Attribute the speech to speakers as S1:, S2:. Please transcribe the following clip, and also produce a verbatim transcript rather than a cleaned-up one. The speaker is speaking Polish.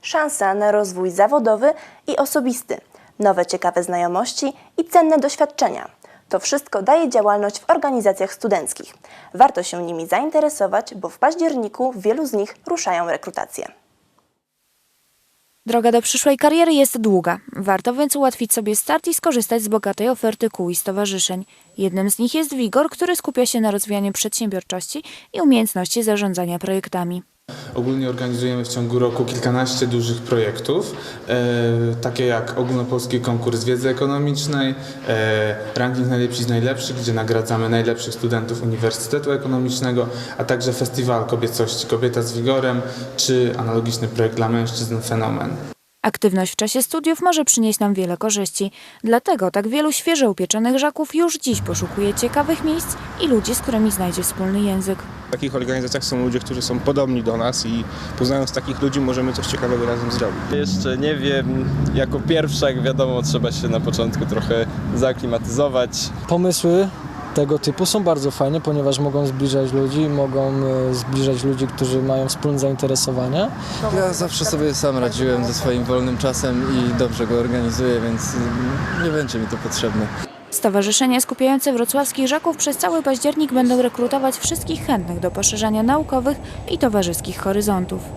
S1: Szansa na rozwój zawodowy i osobisty, nowe ciekawe znajomości i cenne doświadczenia. To wszystko daje działalność w organizacjach studenckich. Warto się nimi zainteresować, bo w październiku wielu z nich ruszają rekrutacje.
S2: Droga do przyszłej kariery jest długa. Warto więc ułatwić sobie start i skorzystać z bogatej oferty kół i stowarzyszeń. Jednym z nich jest WIGOR, który skupia się na rozwijaniu przedsiębiorczości i umiejętności zarządzania projektami.
S3: Ogólnie organizujemy w ciągu roku kilkanaście dużych projektów, e, takie jak ogólnopolski konkurs wiedzy ekonomicznej, e, ranking najlepsi z najlepszych, gdzie nagradzamy najlepszych studentów Uniwersytetu Ekonomicznego, a także festiwal kobiecości Kobieta z Wigorem, czy analogiczny projekt dla mężczyzn Fenomen.
S2: Aktywność w czasie studiów może przynieść nam wiele korzyści. Dlatego tak wielu świeżo upieczonych żaków już dziś poszukuje ciekawych miejsc i ludzi, z którymi znajdzie wspólny język.
S4: W takich organizacjach są ludzie, którzy są podobni do nas i poznając takich ludzi możemy coś ciekawego razem zrobić.
S5: Jeszcze nie wiem, jako pierwsza, jak wiadomo, trzeba się na początku trochę zaklimatyzować.
S6: Pomysły tego typu są bardzo fajne, ponieważ mogą zbliżać ludzi, mogą zbliżać ludzi, którzy mają wspólne zainteresowania.
S7: Ja zawsze sobie sam radziłem ze swoim wolnym czasem i dobrze go organizuję, więc nie będzie mi to potrzebne.
S2: Stowarzyszenia skupiające wrocławskich żaków przez cały październik będą rekrutować wszystkich chętnych do poszerzania naukowych i towarzyskich horyzontów.